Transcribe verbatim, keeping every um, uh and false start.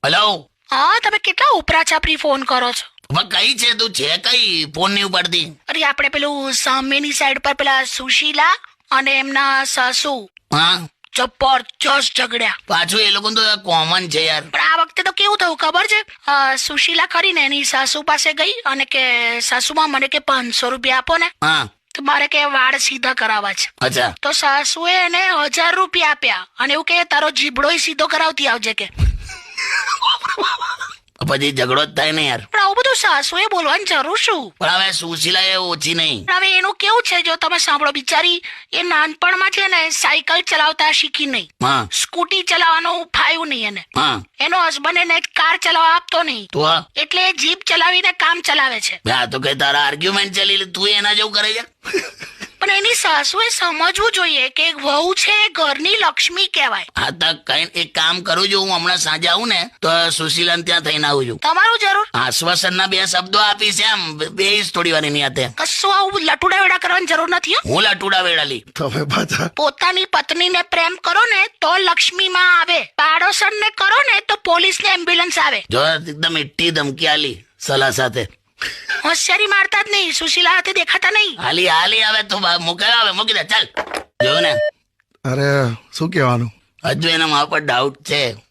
Hello. હા, તમે કેટલા ઉપરા છાપરી ફોન કરો છો? હવે કઈ છે તું? છે કઈ? ફોન નહીં ઉપાડતી. અરે આપણે પેલું સામેની સાઈડ પર પેલા સુશીલા અને એમના સાસુ હા, જબરજસ્ત ઝઘડ્યા. પાછું એ લોકો તો કોમન છે યાર. પણ આ વખતે તો કેવું થયું ખબર છે? અ, સુશીલા ખરી ને એની સાસુ પાસે ગઈ અને કે સાસુમાં મને કે પાંચસો રૂપિયા આપો ને, હા, તો મારે કે વાળ સીધા કરાવવા છે. અચ્છા. તો સાસુએ એને હજાર રૂપિયા આપ્યા અને એવું કે તારો જીબડોય સીધો કરાવતી આવજે કે. પછી ઝઘડો જ થાય ને યાર. પણ આવું બધું સાસુએ બોલવાની જરૂર શું? પણ હવે સુશીલા એ ઓછી નહીં. પણ હવે એનું કેવું છે જો તમે સાંભળો, બિચારી એ નાનપણમાં છે ને સાયકલ ચલાવતા શીખી નહીં, હા, સ્કૂટી ચલાવવાનું ફાયું નહીં એને. હા, એનો હસબન્ડ એને કાર ચલાવવા આપતો નહીં, તો આ એટલે એ જીપ ચલાવીને કામ ચલાવે છે. આ તો કઈ તારા આર્ગ્યુમેન્ટ ચાલી લે, તું એના જેવું કરે છે. પણ એની સાસુએ સમજવું જોઈએ કે એક વહુ છે એ ઘરની લક્ષ્મી કહેવાય. હા, તો કઈ એક કામ કરું છું, હું હમણાં સાંજે આવું ને તો સુશીલાને ત્યાં થઈને આવું છું. તમારું જરૂર. આશ્વાસનના બે શબ્દો આપીશ એમ બે થોડી વાર એની હાથે. કશું આવું લટુડા વેડા કરવાની જરૂર નથી હો. હું લટુડા વેડાલી. તમે પાછા પોતાની પત્નીને પ્રેમ કરો ને તો લક્ષ્મી માં આવે, પાડોશનને કરો ને તો પોલીસ ને એમ્બ્યુલન્સ આવે. જો એકદમ ઈટ્ટી ધમકી આલી સલાહ સાથે. હોશિયારી મારતા જ નહીં, સુશીલા હાથે દેખાતા નહીં. હાલી હાલી આવે તો મૂકે આવે મૂકી દે ચાલ. જો ને અરે શું કહેવાનું? હજુ એના મા પર ડાઉટ છે.